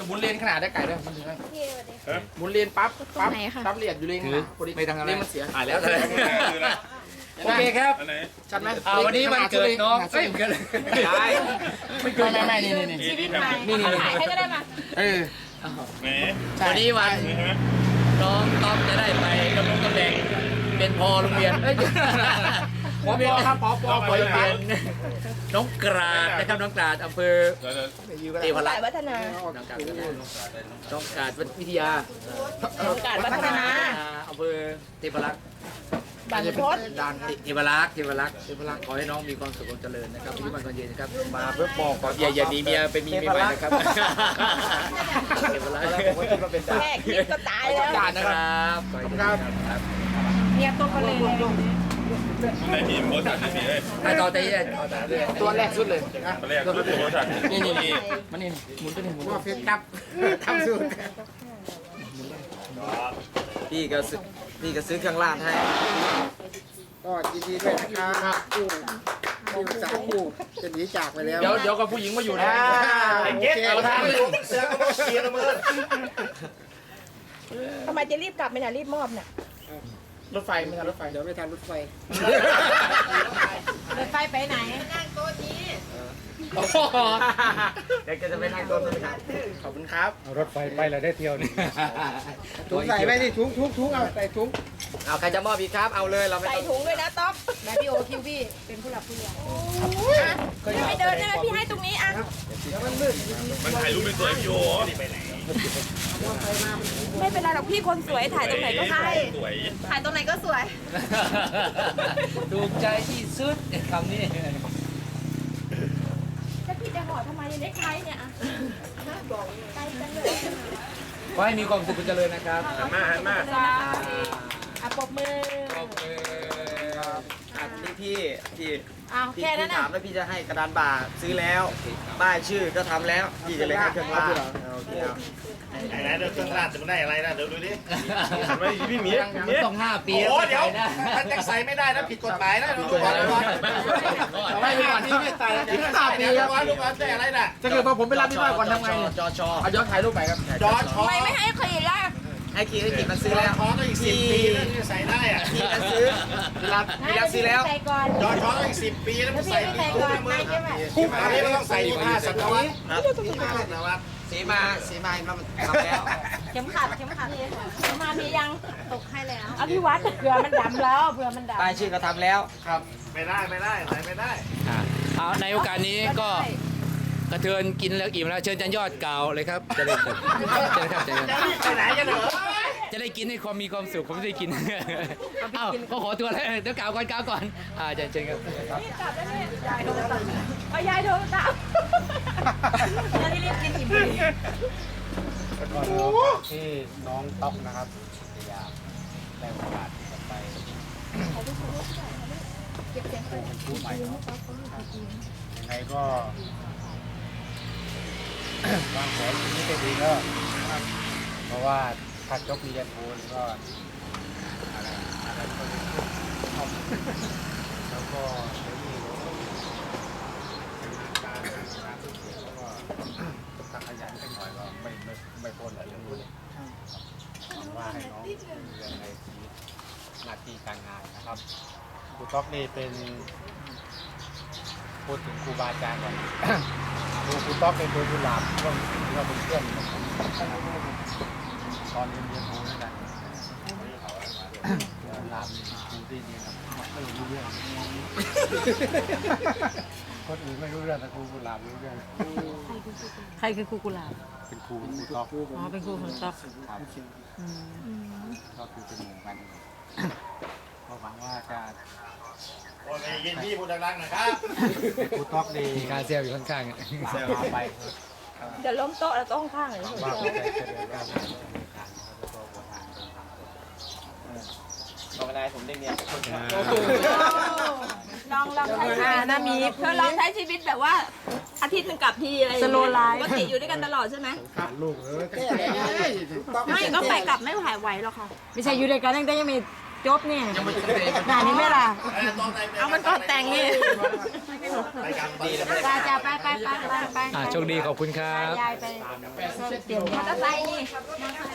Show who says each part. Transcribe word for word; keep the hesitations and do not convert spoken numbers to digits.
Speaker 1: หมุนเลนขนาดได้ไก่ด้วยมันถึงได้
Speaker 2: พี่สวัสดี
Speaker 1: หมุนเลนปั๊บปั๊บ
Speaker 2: ไหนคะ
Speaker 1: ปั๊บเลียดอยู่เลนขนาดพอดี
Speaker 3: ไม่ทางอะไร
Speaker 1: เลนมันเสีย
Speaker 3: อ่าแล้วแต่โอเคครับ
Speaker 1: ชัดไหม
Speaker 3: อ่าวันนี้วันเกิดน้องเอ้ยเกิดใช่
Speaker 1: ไม่เกินไม่ไม่นี่นี่นี่
Speaker 2: ชีวิตใหม่
Speaker 1: นี่นี่
Speaker 2: ถ่ายให้ก็ได้มา
Speaker 1: เออ
Speaker 4: แหม
Speaker 3: วันนี้วันน้องต้องจะได้ไปดำรงตำแหน่งเป็นพอโรงเรียนเอ้ย
Speaker 1: ปอปอครับปอปอ
Speaker 3: พอโรงเรียนน้องกราดนะครับน้องกราดอำเภอ
Speaker 4: เดี๋ยว
Speaker 3: เทพรั
Speaker 2: สาก ย
Speaker 3: ษ์
Speaker 2: วัฒนา
Speaker 3: น้องกราดน้องกราดวิทยา
Speaker 2: กาดวัฒนา
Speaker 3: อำเภอเทพรักษ์
Speaker 2: บางพด
Speaker 1: ด่าน
Speaker 3: เทพรักษ์เทพรักษ์เทพรักษ์ขอให้น้องมีความสุขความเจริญนะครับอายุมันคนยืนนะครับ
Speaker 1: มาเพื่อบอกก่อน
Speaker 3: อย่าอย่าหนีเมียไปมีเมียใหม่นะครับเทพรักษ์
Speaker 1: ผมคิดว่าเป็นด่าน
Speaker 2: แค่คิดก็ตายแล้ว
Speaker 1: ด่านนะ
Speaker 3: ค
Speaker 1: ค
Speaker 3: ร
Speaker 1: รับั
Speaker 3: บขอให้ครับครับ
Speaker 2: เนี่ยตัวคนเลย
Speaker 4: ในทีมโค้ชจัดนี่เลย
Speaker 3: ไอ้ต่อแต่ยังต่อแต่เรื่อย
Speaker 1: ตัวแรกสุดเลยนะ
Speaker 4: ตอนแรกคือโค้ชจัด
Speaker 1: นี่นี่นี่มันนี่หมุนตัวนี้หมุนว่าเฟซครับทำสูตร
Speaker 5: พี่ก็ซื้อพี่ก็ซื้อเครื่องราดให้
Speaker 6: ก็ยินดีด้วยนะครับผู้ผู้สาวผู้จะหนีจากไปแล้ว
Speaker 1: เดี๋ยวเดี๋ยวกับผู้หญิงมาอยู่นะ
Speaker 6: ไอ้เก๊กเอาท่า
Speaker 1: เสือก็ต้องเสียละเมิน
Speaker 2: ทำไมจะรีบกลับไม่น่ะรีบมอบเนี่ย
Speaker 1: รถไฟไม่ทันรถไฟ
Speaker 6: เดี๋ยวไม่ทันรถไฟ
Speaker 2: รถไฟไปไหนนั่งโต๊ะนี้
Speaker 3: เด็กจะไปนั่งต้นเลยครับ
Speaker 1: ขอบคุณครับ
Speaker 6: รถไฟไปแล้วได้เที่ยวนี่ถุงใส่ไว้ดิถุงถุงถุงเอาใส่ถุง
Speaker 3: เอาใครจะมอบอีกครับเอาเลยเราไม่
Speaker 2: ใส่
Speaker 3: ต้อง
Speaker 2: ถุงด้วยนะต๊อกแม่พี่โอคิวพี่เป็นผู้หลักผู้ใหญ่ไม่เดินได้ไหมพี่ให้ตรงนี้อ่ะ
Speaker 4: มันถ่ายรูปเป็นตัวพี่โอ
Speaker 2: ไม่เป็นไรหรอกพี่คนสวยถ่ายตรงไหนก็ได้
Speaker 4: สวย
Speaker 2: ถ่ายตรงไหนก็สวย
Speaker 3: ถูกใจที่สุดคำนี้
Speaker 2: ถ้าพี่จะห่อทำไมยังได้ใช้เนี่ยอ่ะบอกใจจังเลย
Speaker 3: ขอให้มีความสุขเจริญนะครับ
Speaker 4: หันมาหันมา
Speaker 2: อ่ะปรบมือ
Speaker 3: ขอบคุณ
Speaker 5: อันนี้พี่พี่
Speaker 2: อ้าว
Speaker 5: พี่
Speaker 2: แค่นั้น
Speaker 5: พี่
Speaker 2: น่ะ
Speaker 5: ถามแล้วพี่จะให้กระดานบ่าซื้อแล้วป้ายชื่อก็ทำแล้วพี่จะเลยให้เครื่องราดโอเคเอา
Speaker 4: ไหนไหนเดี๋ยวเครื่องราดจะมันได้อะไรนะเดี๋ยวดูดิไม่พี่หมีหมี
Speaker 3: ต้องห้าปี
Speaker 4: โอ้เดี๋ยว
Speaker 3: นะ
Speaker 4: มันจะใส่ไม่ได้นะผิดกฎหมายนะดูก่อนดูก่อน
Speaker 1: เอาไว้ก่อนที่ไม่ใส่ถึงห้าปี
Speaker 4: เดี๋ยว
Speaker 1: ครับ
Speaker 4: ดูก่อนแต่อะไรน่ะ
Speaker 1: ถ้าเกิดว่าผมไปรับที่บ้านก่อนทำไง
Speaker 5: จอชอ
Speaker 1: เอาย้อนถ่ายรูปไปครับ
Speaker 4: จอชอ
Speaker 2: ทำไมไม่ให้เคยล่ะ
Speaker 5: ให้ขีดให้ขีดมันซื้อ
Speaker 4: จอ
Speaker 5: แล้ว
Speaker 4: ชอก็อีกสิบปีแล้วที่จะใส่ได้อะ
Speaker 5: พี่ก็ซื้อพี่รับพี่รับซื้อแล้ว
Speaker 2: ใส่ก่อน
Speaker 4: จอชอก็อีกสิบปีแล้วมัน
Speaker 2: พี่
Speaker 4: ใส่
Speaker 2: ไม่
Speaker 4: ไม่
Speaker 2: ใส่
Speaker 4: คุ้
Speaker 2: ก่อน
Speaker 4: มมื
Speaker 2: ไม่
Speaker 4: อ
Speaker 2: ใช่ไหม
Speaker 4: คุ้มอันนี้มันต้องใส่ยี่ห้าสัตวรรษ
Speaker 5: ครับ
Speaker 4: ยี่ห้าสัตวรรษ
Speaker 5: สีมาสีมาเราทำแล้ว
Speaker 2: เข็มขัดเข็มขัดเข็มมามียังตกให้แล้วเอาพี่วัดเผื่อมันดำแล้วเผื่อมันดำ
Speaker 5: ป้ายชื่อก็ทำแล้ว
Speaker 4: ครับไม่ได้ไม่ได้ใส่ไม่ได้
Speaker 3: เอาในโอกาสนี้ก็กระเทือนกินแล้วอิ่มแล้วเชิญจันยอดกล่าวเลยครับจะได้เชิญครับเชิญครับ
Speaker 4: ไปไหนกันเหรอ
Speaker 3: จะได้กินให้ความมีความสุขผมจะได้กินเอ้าก็ขอตัวแล้วเดี๋ยวกล่าวก่อนกล่าวก่อนอ่าเชิญเชิญครับ
Speaker 2: นี่กลับแล้วเนี่ยยายโดนตัดเอายายโดนตัดแล้วที่รีบกินอิ่มเลย
Speaker 6: ก็ที่น้องต๊อกนะครับพยายามได้โอกาสที่จะไปเป็นผู้ใหม่เนาะยังไงก็ วางแผนชีวิตให้ดีเนอะเพราะว่าถ้าจบปริญญาโทก็อะไรอะไรก็จะขึ้นท็อปแล้วก็เดี๋ยวนี้การงานการเสียแล้วก็ถ้าขยันไปหน่อยก็ไม่ไม่ไม่พ้นอะไรเรื่องนี้หวังว่าให้น้องเรื่องในชีวิตหน้าที่การงานนะครับครูต๊อกนี่เป็นพูดถึงครูบาอาจารย์ก่อน ครูครูต๊อกเป็นตัวกุหลาบก็เราเป็นเพื่อนกันตอนเรียนเรียนรู้ด้วยกันกุหลาบนี่ครูที่ดีนะไม่รู้เรื่องคนอื่นไม่รู้เรื่องแต่ครูกุหลาบรู้เรื่อง
Speaker 7: ใครคือครูกุหลาบ
Speaker 6: เป็นครูครูต๊อก
Speaker 7: อ๋อ เป็นครูของต๊อก
Speaker 6: ครับ
Speaker 7: อืม
Speaker 6: ก็คือเป็นหมู่กันก็หวังว่าจะ
Speaker 4: โอ้ยเย็นพี่พูดดังๆหนะครับ
Speaker 6: ครูต๊อกดี
Speaker 3: มีการเซลอยู่ข้างๆ
Speaker 6: เซลไป
Speaker 2: เดี๋ยวล้มโต๊ะแล้วโต๊ะข้างๆเลย
Speaker 6: ว่าจะเจริญรุ่งเรืองในการแล้วก็บริหาร
Speaker 5: บอกไม่ได้ผมได้เมียคนนะ
Speaker 2: ลองลองใช้ชีวิต
Speaker 7: นะมี
Speaker 2: เธอลองใช้ชีวิตแบบว่าอาทิตย์หนึงกลับทีอะไรอย่าง
Speaker 7: ส
Speaker 2: เงี้ย
Speaker 7: โลว์ไลฟ์
Speaker 2: ปกติอยู่ด้วยกันตลอดใช่ไหม
Speaker 6: ขาดลูกเออแก้
Speaker 2: ไม่ก็ไปกลับไม่หายไหวหรอกค่ะ
Speaker 7: ไม่ใช่อยู่ด้วยกันตั้งแต่ยังมีจบนี่งานนี้ไหมล่ะ
Speaker 2: เอามันก่อนแต่งนี่
Speaker 4: ไปกันดีแล้ว
Speaker 7: ไปจ้าไปไปไปไปไป
Speaker 3: อ่าโชคดีขอบคุณครับ
Speaker 7: ยายไปเตรียม
Speaker 2: มอเตอร์ไซค์นี่